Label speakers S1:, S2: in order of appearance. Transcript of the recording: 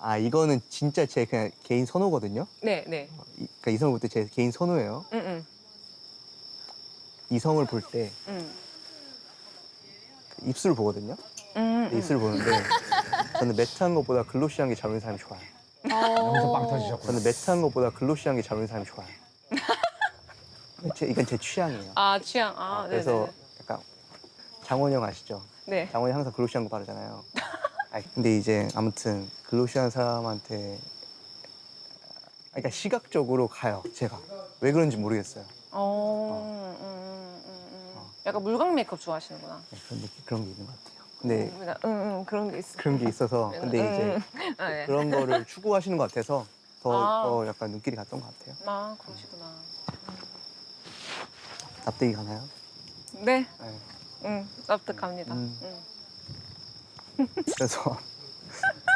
S1: 아 이거는 진짜 제 그냥 개인 선호거든요.
S2: 네, 네.
S1: 그러니까 이성을 볼 때 제 개인 선호예요.
S2: 응.
S1: 이성을 볼 때
S2: 응.
S1: 입술을 보거든요.
S2: 응.
S1: 입술을 보는데 저는 매트한 것보다 글로시한 게 잘 어울리는 사람이 좋아요.
S3: 여기서 빵 터지셨구나.
S1: 저는 매트한 것보다 글로시한 게 잘 어울리는 사람이 좋아요. 이건 제 취향이에요.
S2: 아, 취향. 아,
S1: 그래서
S2: 네네.
S1: 약간 장원이 형 아시죠?
S2: 네.
S1: 장원이 항상 글로시한 거 바르잖아요. 근데 이제 아무튼 글로시한 사람한테 그러니까 시각적으로 가요. 제가 왜 그런지 모르겠어요.
S2: 약간 물광 메이크업 좋아하시는구나.
S1: 네, 그런 게 있는 것 같아요. 근데
S2: 그런 게 있어.
S1: 그런 게 있어서 근데 이제
S2: 아, 네.
S1: 그런 거를 추구하시는 것 같아서
S2: 아.
S1: 더 약간 눈길이 갔던 것 같아요.
S2: 아, 그러시구나.
S1: 납득이 가나요?
S2: 네.
S1: 네.
S2: 납득합니다.
S1: 그래서